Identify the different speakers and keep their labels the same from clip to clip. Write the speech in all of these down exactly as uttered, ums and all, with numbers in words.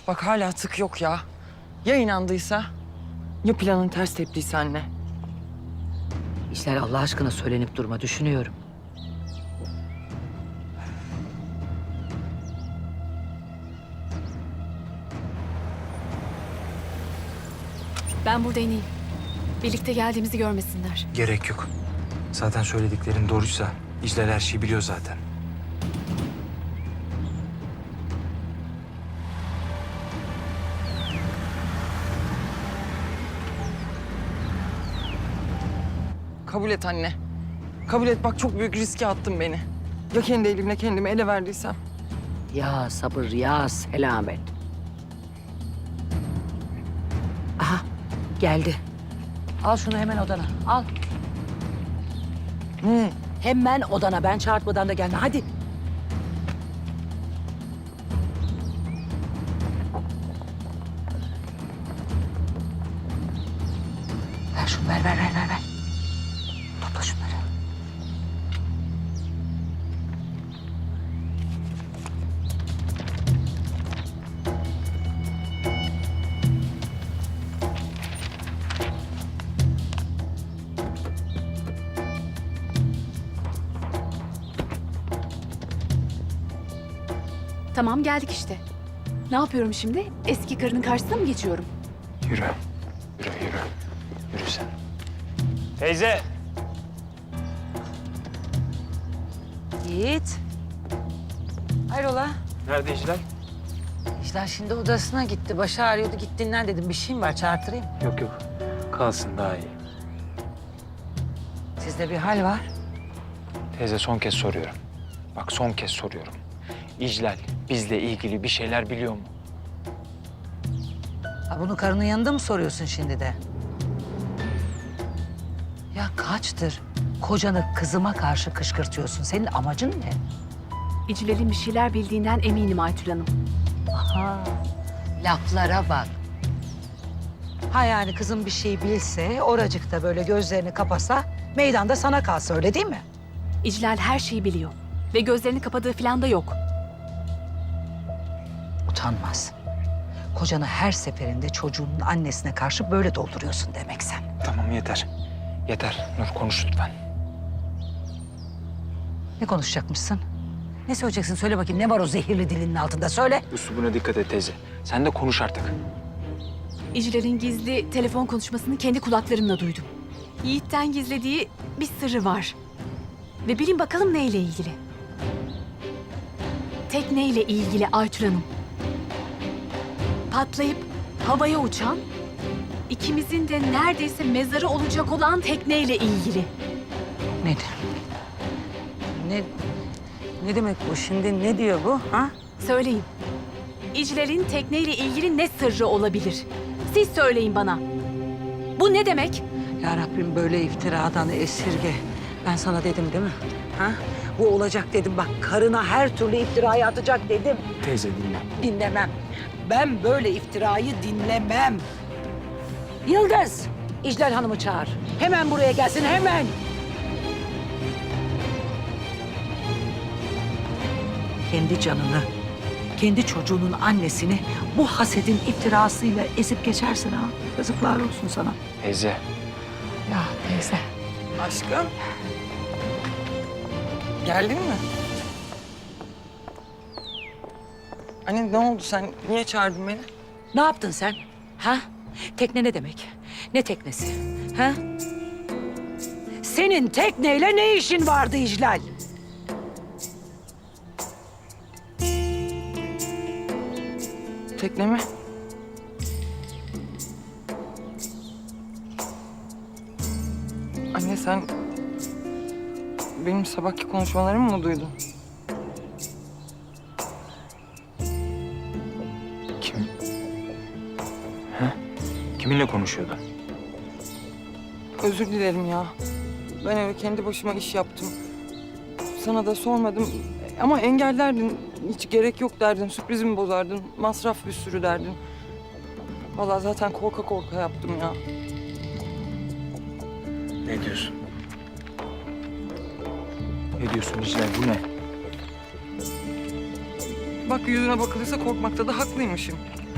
Speaker 1: Bak hala tık yok ya. Ya inandıysa? Ya planın ters teptiyse anne?
Speaker 2: İşler Allah aşkına söylenip durma, düşünüyorum.
Speaker 3: Ben burada ineyim. Birlikte geldiğimizi görmesinler.
Speaker 4: Gerek yok. Zaten söylediklerin doğruysa İclal her şeyi biliyor zaten.
Speaker 1: Kabul et anne. Kabul et, bak çok büyük riske attın beni. Ya kendi elimle kendimi ele verdiysem?
Speaker 2: Ya sabır, ya selamet. Aha, geldi. Al şunu hemen odana, al.
Speaker 1: Ne?
Speaker 2: Hemen odana, ben çağırtmadan da gelme, hadi. Ver şunu, ver, ver, ver, ver, ver. Topla şunları.
Speaker 3: Tamam geldik işte. Ne yapıyorum şimdi? Eski karının karşısına mı geçiyorum?
Speaker 4: Yürü. Yürü, yürü. Yürü sen. Teyze!
Speaker 2: Yiğit. Hayrola?
Speaker 4: Nerede İclal?
Speaker 2: İşler şimdi odasına gitti. Başı ağrıyordu. Git dinlen dedim. Bir şeyim var, çağırtırayım.
Speaker 4: Yok yok. Kalsın daha iyi.
Speaker 2: Sizde bir hal var.
Speaker 4: Teyze son kez soruyorum. Bak son kez soruyorum. İclal bizle ilgili bir şeyler biliyor mu?
Speaker 2: Ha, bunu karının yanında mı soruyorsun şimdi de? Ya kaçtır kocanı kızıma karşı kışkırtıyorsun? Senin amacın ne?
Speaker 3: İcilerin bir şeyler bildiğinden eminim Aytül Hanım.
Speaker 2: Aha, laflara bak. Ha yani kızım bir şey bilse, oracıkta böyle gözlerini kapasa, meydanda sana kalsa, öyle değil mi?
Speaker 3: İclal her şeyi biliyor. Ve gözlerini kapadığı falan da yok.
Speaker 2: Utanmaz. Kocanı her seferinde çocuğunun annesine karşı böyle dolduruyorsun demek sen.
Speaker 4: Tamam yeter. Yeter. Nur konuş lütfen.
Speaker 2: Ne konuşacakmışsın? Ne söyleyeceksin? Söyle bakayım, ne var o zehirli dilinin altında? Söyle.
Speaker 4: Üslubuna dikkat et teyze. Sen de konuş artık.
Speaker 3: İcilerin gizli telefon konuşmasını kendi kulaklarımla duydum. Yiğit'ten gizlediği bir sırrı var. Ve bilin bakalım neyle ilgili? Tekneyle ilgili Aytül Hanım. Patlayıp havaya uçan, ikimizin de neredeyse mezarı olacak olan tekneyle ilgili.
Speaker 2: Nedir? Ne, ne demek bu şimdi? Ne diyor bu? Ha?
Speaker 3: Söyleyin. İclal'in tekneyle ilgili ne sırrı olabilir? Siz söyleyin bana. Bu ne demek?
Speaker 2: Ya Rabbim böyle iftiradan esirge. Ben sana dedim değil mi? Ha? Bu olacak dedim. Bak karına her türlü iftirayı atacak dedim.
Speaker 4: Teyze dinle.
Speaker 2: Dinlemem. Ben böyle iftirayı dinlemem. Yıldız, İclal Hanım'ı çağır. Hemen buraya gelsin, hemen. Kendi canını, kendi çocuğunun annesini bu hasedin iftirasıyla ezip geçersin ha. Yazıklar olsun sana.
Speaker 4: Teyze.
Speaker 2: Ya teyze.
Speaker 1: Aşkım. Geldin mi? Anne ne oldu, sen niye çağırdın beni?
Speaker 2: Ne yaptın sen? Ha? Tekne ne demek? Ne teknesi? Ha? Senin tekneyle ne işin vardı İclal?
Speaker 1: Tekne mi? Anne sen benim sabahki konuşmalarımı mı duydun?
Speaker 4: Kim? Ha? Kiminle konuşuyordu?
Speaker 1: Özür dilerim ya. Ben öyle kendi başıma iş yaptım. Sana da sormadım ama engellerdin. Hiç gerek yok derdin, sürprizimi bozardın. Masraf bir sürü derdin. Vallahi zaten korka korka yaptım ya.
Speaker 4: Ne diyorsun? Ne diyorsun İclal? Bu ne?
Speaker 1: Bak yüzüne bakılırsa korkmakta da haklıymışım.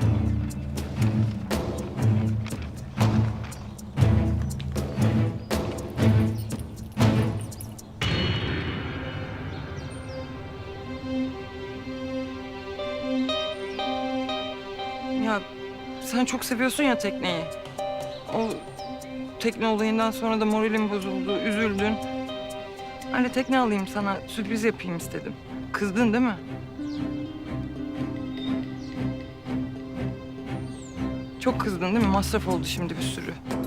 Speaker 1: Ya sen çok seviyorsun ya tekneyi. O tekne olayından sonra da moralim bozuldu, üzüldün. Öyle tekne alayım sana, sürpriz yapayım istedim. Kızdın değil mi? Çok kızdın değil mi? Masraf oldu şimdi bir sürü.